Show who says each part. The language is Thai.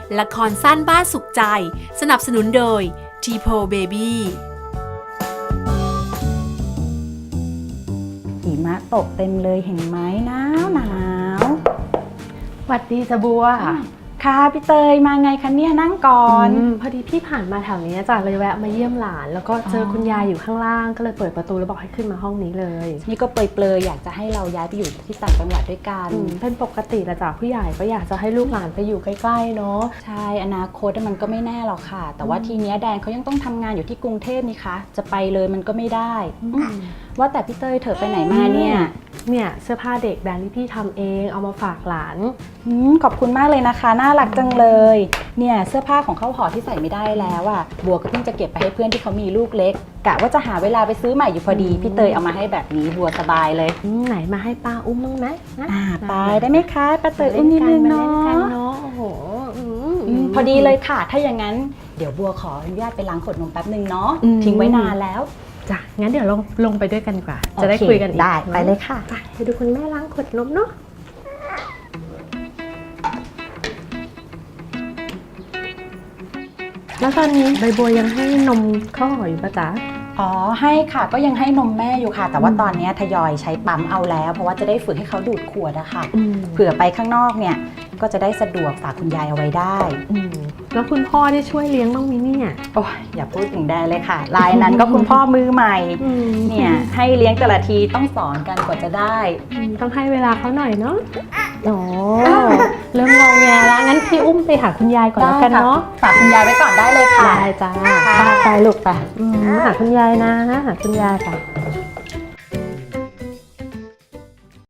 Speaker 1: ละครสั้นบ้านสุขใจสนับสนุนโดย T-Po Baby
Speaker 2: หิมะตกเต็มเลยเห็นไหมหนาว
Speaker 3: สวัสดีจ้ะบัว
Speaker 2: ค่ะพี่เตยมาไงคะเนี่ยนั่งก่อน
Speaker 3: พอดีพี่ผ่านมาแถวนี้จ้ะเลยแวะมาเยี่ยมหลานแล้วก็เจอคุณยายอยู่ข้างล่างก็เลยเปิดประตูแล้วบอกให้ขึ้นมาห้องนี้เลย
Speaker 2: นี่ก็เปรยๆอยากจะให้เราย้ายไปอยู่ที่ต่างจังหวัดด้วยกัน
Speaker 3: เป็นปกติละจ้ะผู้ใหญ่ก็อยากจะให้ลูกหลานไปอยู่ใกล้ๆเนาะ
Speaker 2: ใช่อนาคตมันก็ไม่แน่หรอกค่ะแต่ว่าทีเนี้ยแดนเขายังต้องทำงานอยู่ที่กรุงเทพนี่คะจะไปเลยมันก็ไม่ได้ว่าแต่พี่เตยเธอไปไหนมาเนี่ย
Speaker 3: เสื้อผ้าเด็กแบรนด์ที่พี่ทำเองเอามาฝากหลาน
Speaker 2: ขอบคุณมากเลยนะคะน่ารักจังเลยเนี่ยเสื้อผ้าของข้าวห่อที่ใส่ไม่ได้แล้วอ่ะบัวก็เพิ่งจะเก็บไปให้เพื่อนที่เขามีลูกเล็กกะว่าจะหาเวลาไปซื้อใหม่อยู่พอดีพี่เตยเอามาให้แบบนี้บัวสบายเลย
Speaker 3: ไหนมาให้ป้าอุ้มบ้างไหม
Speaker 2: ไปได้ไหมคะป้าเตยอุ้มนิดนึงเนาะ
Speaker 3: โอ้โห
Speaker 2: พอดีเลยค่ะถ้าอย่างนั้นเดี๋ยวบัวขออนุญาตไปล้างขวดนมแป๊บนึงเนาะทิ้งไว้นานแล้ว
Speaker 3: จ้ะงั้นเดี๋ยวลงไปด้วยกันดีกว่าจะได้คุยกัน
Speaker 2: ได้ไปเลยค่ะ
Speaker 3: ไปดูคุณแม่ล้างขวดนมเนาะแล้วตอนนี้ใบบัวยังให้นมข้าวห่ออยู่ปะจ๊ะ
Speaker 2: อ๋อให้ค่ะก็ยังให้นมแม่อยู่ค่ะแต่ว่าตอนนี้ทยอยใช้ปั๊มเอาแล้วเพราะว่าจะได้ฝึกให้เขาดูดขวดอะค่ะเผื่อไปข้างนอกเนี่ยก็จะได้สะดวกฝากคุณยายเอาไว้ได้
Speaker 3: แล้วคุณพ่อได้ช่วยเลี้ยงบ้างไหมเนี่ย
Speaker 2: โอ้ยอย่าพูดถึงแดนเลยค่ะรายนั้นก็คุณพ่อมือใหม่เนี่ยให้เลี้ยงแต่ละทีต้องสอนกันกว่าจะได้
Speaker 3: ต้องให้เวลาเขาหน่อยเนาะโอ้เริ่มงงแงแล้วงั้นพี่อุ้มไปหาคุณยายก่อนแล้วกันเนาะ
Speaker 2: ฝากคุณยายไว้ก่อนได้เลยค่ะ
Speaker 3: ได้จ้าไปลูกไปหาคุณยายนะหาคุณยายค่ะ